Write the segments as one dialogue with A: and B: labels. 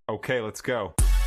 A: Okay, let's go.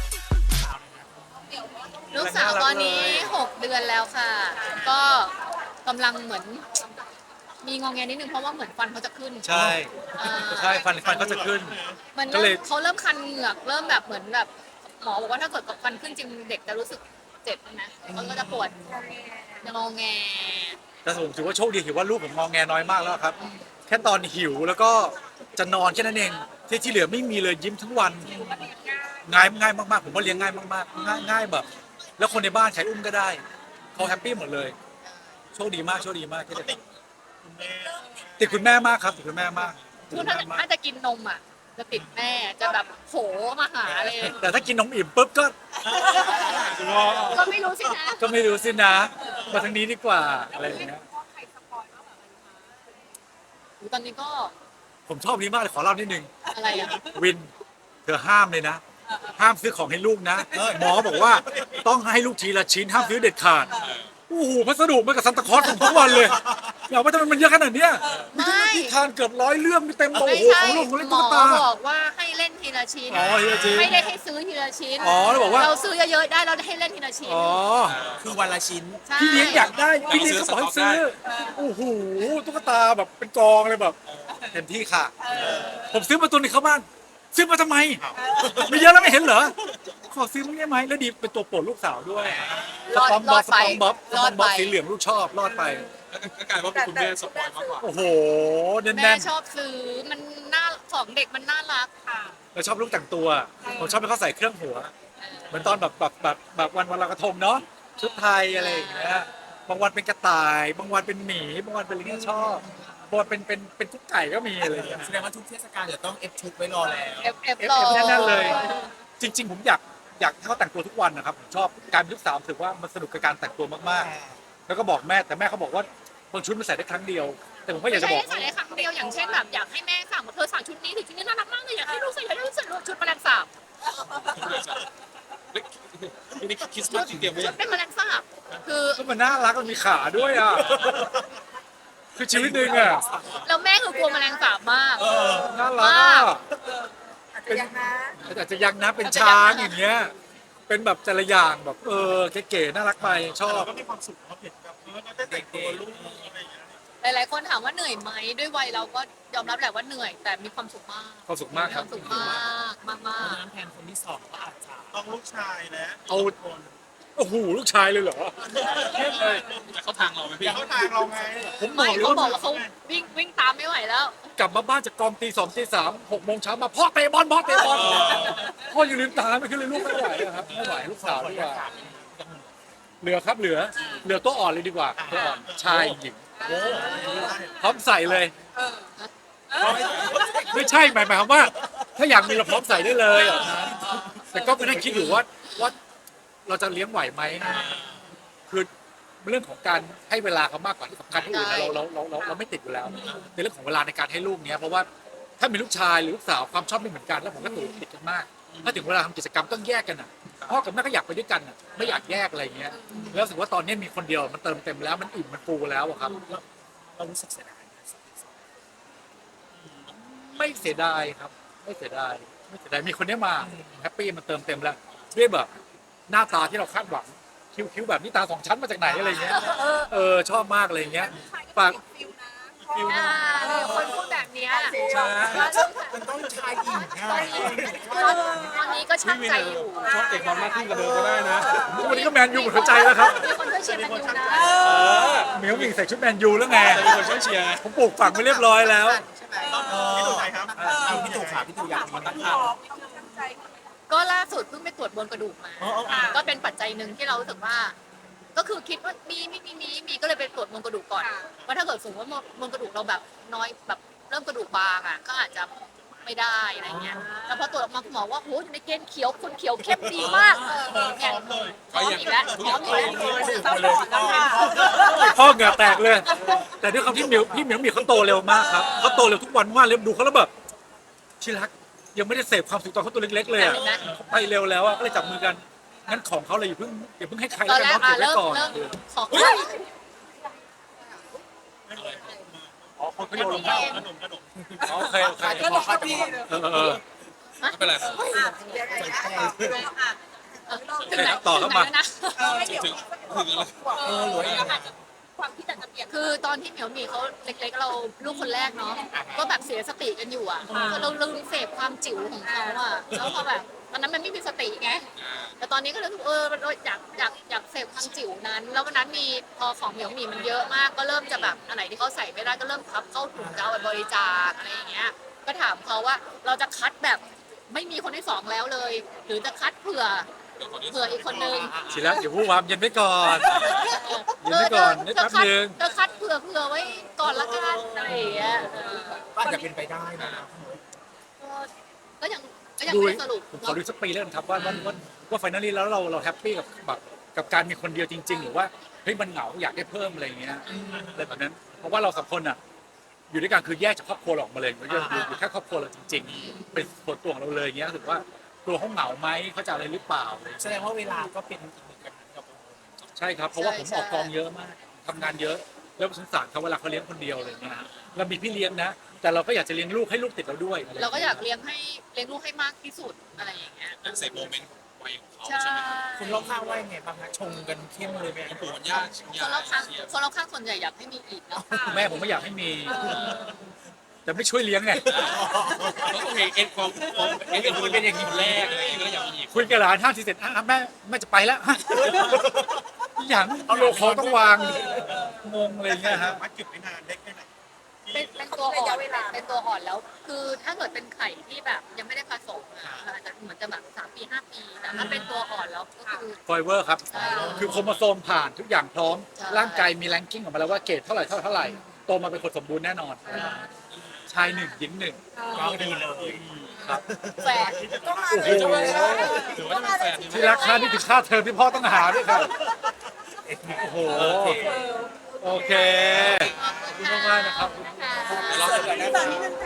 B: ลูกสาวตอนนี้6 เดือนแล้วค่ะ ก็กำลังเหมือนมีงอแงนิดนึงเพราะว่าเหมือนฟันเขาจะขึ้น
C: ใช่
B: อ่า
C: ใช่ฟันก็จะขึ้น
B: มัน
C: ก็เล
B: เริ่
C: ย
B: มเขาเริ่มคันเหงือกเริ่มแบบเหมือนแบบหมอบอกว่าถ้าเกิดกับฟันขึ้นจริงเด็กจะรู้สึกเจ็บนะเขาก็จะปวดงอแง
C: แต่ผมถือว่าโชคดีถือว่าลูกผมงอแงน้อยมากแล้วครับ แค่ตอนหิวแล้วก็จะนอนแค่นั้นเองที่เหลือไม่มีเลยยิ้มทั้งวันง่ายมากๆผมว่าเลี้ยงง่ายมากๆง่ายแบบ แล้วคนในบ้านใครอุ้มก็ได้เขาแฮปปี้หมดเลย โชคดีมากที่ได้ติดคุณแม่มากครับติดคุณแม่มากติด
B: คือ
C: คุณ
B: ถ้า
C: แม่มาก
B: ถ้าจะกินนมอ่ะจะติดแม่จะแบบโผมาหาเลย
C: แต่ถ้ากินนมอิ่มปุ๊บก็
B: ก็ไม่รู้สินะ
C: ก็ไม่รู้สินะ มาทางนี้ดีกว่าอะไรอย่างเงี้ย
B: ตอนนี้ก็
C: ผมชอบนี้มากเลยขอเล่านิดนึง
B: อะไรอ่ะ
C: วินเธอห้ามเลยนะ ห้ามซื้อของให้ลูกนะหมอบอกว่าต้องให้ลูกทีละชิ้นห้ามซื้อเด็ดขาดโอ้โหพัสดุมันกับซันตาคลอสของทุกวันเลยอยากว่าทำไมมันเยอะขนาดเนี้ยมีทั้งนิทานเกือบ100 เรื่องมีเต็มโอ้
B: ไม่
C: โห
B: ใช่
C: ของลูกของเล่น
B: หม
C: ตุ๊
B: อก
C: ตา
B: บอกว่าให้เล่นทีละชิ้น
C: อ๋อทีละชิ้น
B: ไม่ได้ให้ซื้อทีละชิ้น
C: อ๋อแล้วบอกว่า
B: เราซื้อเยอะๆได้เราให้เล่นทีละชิ้น
C: อ๋อ
D: คือวันละชิ้น
B: ใช่
C: พี่เลี้ยงอยากได้พี่เลี้ยงก็บอกให้ซื้อโอ้โหตุ๊กตาแบบเป็นกองเลยแบบเต็มที่ค่ะ ผมซื้อมาตัวหนึงเข้าบ้านซื้อมาทำไมมีเยอะแล้วไม่เห็นเหรอขอซื้อมั้งได้ไหมแล้วดีเป็นตัวโปรดลูกสาวด้วยสปอมบ๊อบสปอมบ๊อบสีเหลืองลูกชอบรอดไป
D: ก็กลายว่าเป็นคุณแม่สปอยมากกว่า
C: โอ้โหแน่
B: แม่
C: น
B: ชอบซื้อมันน่าของเด็กมันน่ารักค่ะ
C: ๆเราชอบลูกแต่งตัวผมชอบให้เขาใส่เครื่องหัวเหมือนตอนแบบวันลอยกระทงเนาะชุดไทยอะไรอย่างเงี้ยบางวันเป็นกระต่ายบางวันเป็นหมีบางวันเป็นอะไรเงี้ยชอบบางวันเป็นกุ๊กไก่ก็มีอะไรอย่างเงี้ย
D: แสดงว่าทุกเทศกาลเดี๋ยวต้องเอฟชุดไว้รอแล้ว
B: เอฟ
C: เอฟ
B: รอ
C: แน่นๆเลย จริง ๆ ผมอยากให้เขาแต่งตัวทุกวันนะครับผมชอบการเป็นลูกสาวรู้สึกว่ามันสนุกกับการแต่งตัวมากๆ แล้วก็บอกแม่แต่แม่เขาบอกว่าบางชุดมันใส่ได้ครั้งเดียว แต่ผมก็อ
B: ไม่
C: ยากจะ
B: ใช่
C: บอก
B: ให้ใส่ในครั้งเดียวอย่างเช่นแบบอยากให้แม่สั่งว่าเธอสั่งชุดนี้ถึงชุดนี้น่ารักมากเลยอยากให้ลูกใส่อยากให้ลูกใส่ชุดแมลงสาบ
D: นี่คริสต์มาสที่เตรียมไว้
B: ชุดเป็นแมลงสาบคือ
C: ก็มันน่ารักมันมีขาด้วยอ่ะคือชีวิตหนึ่งอ่ะ
B: แล้วแม่คือกลัวแมลงสาบมาก
C: น่ารักอ่ะเป็นอาจจะยังนะเป็นช้างอย่างเงี้ยเป็นแบบแต่ละอย่างแบบเก๋ๆน่ารักไปชอบ
D: ก็มีความสุขเขาเห็นแบบก็ได้แต่งตัวลูกอะไรอย่างเงี้ย
B: หลายๆคนถามว่าเหนื่อยไหมด้วยวัยเราก็ยอมรับแหละว่าเหนื่อยแต่มีความสุขมาก
C: ความสุขมาก
B: มี
C: ค
B: ครับ วามสุขมากมาก
D: เพราะฉะนั้นแทนคนที่สองก็อาจจะต้องลูกชายและ
C: เอาโอ้โหลูกชายเลยเหรอ
D: เขาทางเราไหมพี่เขาทางเราไง
C: ผม
B: ๆ
C: บอ
B: ไม่
C: กเลย
B: เขาบอก
C: ว่า
B: ว่าเขาวิ่งตามไม่ไหวแล้ว
C: กลับมาบ้านจากกองตี 2 ตี 3 6 โมงเช้ามาพ่อเตะบอลพ่ออยู่ลืมตาไม่ขึ้นเลยลูกไม่ไหวอะครับไม่ไหวลูกสาวดีกว่าเหลือครับเหลือตัวอ่อนเลยดีกว่าตัวอ่อนชายหญิงพร้อมใส่เลยไม่ใช่หมายความว่า ถ้าอยากมีเราพร้อมใส่ได้เลยอะแต่ก็ไปนั่งคิดอยู่ว่าเราจะเลี้ยงไหวไหมคือเรื่องของการให้เวลาเขามากกว่าที่สำคัญที่อื่นนะเราไม่ติดอยู่แล้วในเรื่องของเวลาในการให้ลูกเนี้ยเพราะว่าถ้ามีลูกชายหรือลูกสาวความชอบไม่เหมือนกันแล้วผมก็ติดกันมาก ถ้าถึงเวลาทำกิจกรรมต้องแยกกันอ่ะพ่อกับแม่ก็อยากไปด้วยกันอ่ะไม่อยากแยกอะไรอย่างเงี้ยแล้วรู้สึกว่าตอนนี้มีคนเดียวมันเติมเต็มแล้วมันอิ่มมันฟูแล้วอะครับ
D: เรารู้สึกเสียดาย
C: ไม่เสียดายครับไม่เสียดายมีคนนี้มาแฮปปี้มันเติมเต็มแล้วด้วยแบบหน้าตาที่เราคาดหวังคิ้วแบบนี้ตา2 ชั้นมาจากไหนอะไรเงี้ยชอบมากอะไรเงี้ยฝาก
D: ฟิล
B: อ่ามีคนพูดแบบเนี้ย
C: ใช่
D: มันต้องชายหญิง
B: ตอนนี้ก็ช่างใจอยู่
D: ชอบเตะบอลมากขึ้นกว่าเดิมก็ได้นะ
C: วันนี้ก็แมนยูหมดหัวใจแล้วครับ
B: มีคนช่วยเชียร์แมนยูนะ
C: เหมียวหมิงใส่ชุดแมนยูแล้วไง
D: มีคนช่วยเชียร์
C: ผมปลูกฝังไปเรียบร้อยแล้ว
D: พี่ตู่ไหนครับพี่ตู่ขาพี่ตู่อยากมาตั้งข่าว
B: ก็ล่าสุดเพิ่งไปตรวจบนกระดูกมาก็เป็นปัจจัยหนึ่งที่เรารู้สึกว่า ก็คือคิดว่ามีก็เลยไปตรวจมวลกระดูกก่อนว่าถ้าเกิดสมมติว่ามวลกระดูกเราแบบน้อยแบบเริ่มกระดูกบางอ่ะก็อาจจะไม่ได้อะไรเงี้ยแล้วพอตรวจออกมาคุณหมอว่าโหอยู่ในเกณฑ์เขียวคนเขียวเข้มดีมากเนี่ยพร้อมอีกแล้วพร้อมอีกแล้วซัพพอร์ตแล้วค่ะ
C: พ่อเหงื่อแตกเลย แต่ด้วยความที่พี่เหมียวเขาโตเร็วมากครับเขาโตเร็วทุกวันมากเลยดูเขาแล้วแบบชิรักยังไม่ได้เสพความสุขตอนเขาตัวเล็กๆเลยอะเขาไปเร็วแล้วอะก็เลยจับมือกันงั้นของเขาเลยอย่าเพิ่งให้ใคร
B: ตอ
C: แล้ว
B: น
C: กัน
B: แรก
C: เนาะเก็บไว้ก่อน
B: เริ่มของ
C: อ๋อคนเขาโยนลงมาโอเค
D: ก็รอพี่
C: เออ
A: ไม่เป็นไรครับ
B: ถึงไหน
C: ต่อเข้ามา
B: ถึงไหนแล้วนะ
A: ถึงอะไร
D: หรือว่ายังไง
E: ความคิดอาจจะเปลี่ยน
B: คือตอนที่เหมียวหมีเขาเล็กๆเราลูกคนแรกเนาะก็แบบเสียสติกันอยู่อ่ะเราลืมเสพความจิ๋วของเขาอ่ะแล้วพอแบบตอนนั้นมันไม่มีสติไงแต่ตอนนี้ก็เลยรู้สึกเราอยากเสพความจิ๋วนั้น แล้ววันนั้นมีพอของเหมียวหมีมันเยอะมาก ก็เริ่มจะแบบอันไหนที่เขาใส่ไม่ได้ก็เริ่มพับเข้าถุงจะเอาไปบริจาคอะไรอย่างเงี้ยก็ถามเขาว่าเราจะคัดแบบไม่มีคนที่สองแล้วเลย หรือจะคัดเผื่ออีกคนนึง
C: สิแล้วอย่าพูดความเย็นไว้ก่อนเย็นไว้ก่อนนิดแป๊บนึง
B: เธอคัดเผื่อไว้ก่อนละกันอะไรอย่างเงี้ย
D: ก็อาจจะเป็นไปได้นะ
B: ก็ยังไม่
C: ดู
B: ได้สรุป
C: ผมขอดูสักปีแล้วกันครับว่าไฟนอลลี่แล้วเราแฮปปี้กับการมีคนเดียวจริง ๆ หรือว่าเฮ้ยมันเหงาอยากได้เพิ่มอะไรอย่างเงี้ยอะไรแบบนั้นเพราะว่าเราสองคนอ่ะอยู่ด้วยกันคือแยกจากครอบครัวเราออกมาเลยอยู่แค่ครอบครัวเราจริง ๆ เป็นส่วนตัวของเราเลยอย่างเงี้ยรู้สึกว่าตัวเขาเหงาไหมเขาจะอะไรหรือเปล่า
D: แสดงว่าเวลาก็เป็นอีกหนึ่งปัญหากับ
C: ใช่ครับเพราะว่าผมออกกองเยอะมากทำงานเยอะแล้วสงสารเขาเวลาเขาเลี้ยงคนเดียวอะไรเงี้ยเรามีพี่เลี้ยงนะ แต่เราก็อยากจะเลี้ยงลูกให้ลูกติดเราด้วยอะไร
B: เราก็อยากเลี้ยงลูกให้มากที่สุดอะไรอย่างเงี้ย
A: เซฟโมเมนต์ของวัยของเขา
B: ใช่
A: ใช่ไหม
D: คุณรอบข้างว่ายังไงบ้างฮะชงกันเข้มเลยไหม
A: มันปวดมันยาก
B: คนรอบข้างส่วนใหญ่อยากให้มีอีกเนาะ
C: แม่ผมไม่อยากให้มี แต่ไม่ช่วยเลี้ยงไง
A: แล้วก็เอ็นความเอ็นดูเป็นอย่างนี้แรกอะไรอย่างเงี้ยก็อยากมีอีก
C: คุยกับหลานห้าทีเสร็จแม่จะไปแล้ว อย่างเอาโลคอต้องวางงงอะไรเงี้ยฮะ
D: มาจุดไม่นานเล็กแค่ไหน
B: เป็นตัวอ่อนเป็นตัวอ่อนแล้ว คือถ้าเกิดเป็นไข่ที่แบบยังไม่ได้ผสมอ่ะอาจจะเหมือนจะแบบ3 ปี 5 ปีแต่ถ้าเป็นตัวอ่อนแล้วก็คือ
C: ไฟเวอร์ครับ
B: ใช่
C: คือโครโมโซมผ่านทุกอย่างพร้อม
B: ใช่
C: ร่างกายมีแรงกิ้งออกมาแล้วว่าเกรดเท่าไหร่โตมาเป็นคนสมบูรณ์แน่นอน ชายหนึ่งหญิงหนึ่ง
D: ก็ดีเลย
C: ครับ
B: แฝด
C: โอ้โห
A: ถือว่าจะเป็นแฟน
C: ที่ราคานี่ถึงค่าเทอมที่พ่อต้องหาด้วยครับ โอ้โห โอเค ขอบคุณมากๆนะครับ
A: เราจะได้
E: ตอนนี้นะคะ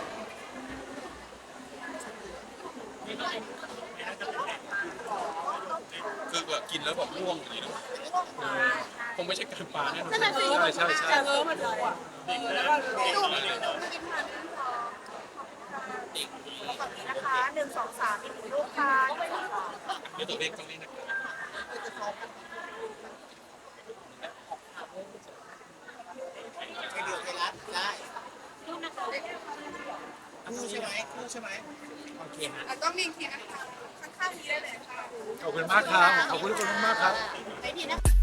A: คือแบบกินแล้วแบบร่วงอย่างนี้นะคงไม่ใช่การปลาแน่นอน
B: นั่นน่ะสิ
C: ใช่
E: แต่เออมันเลยอ่ะแล้วก็ดูกินผ่านนะคะ1 2 3อีกลูกค้า
A: นี่ตัวเลขต้องเล่นนะครับ
D: คู่ใช่ไหมคู่ใช่ไหมโอเคฮะ
E: แล้วก็มีอีกทีนะคะข้างๆนี้ได้เลยค่ะ
C: ขอบคุณมากครับ ขอบคุณทุกคนมากๆครับ
B: ไปดีนะ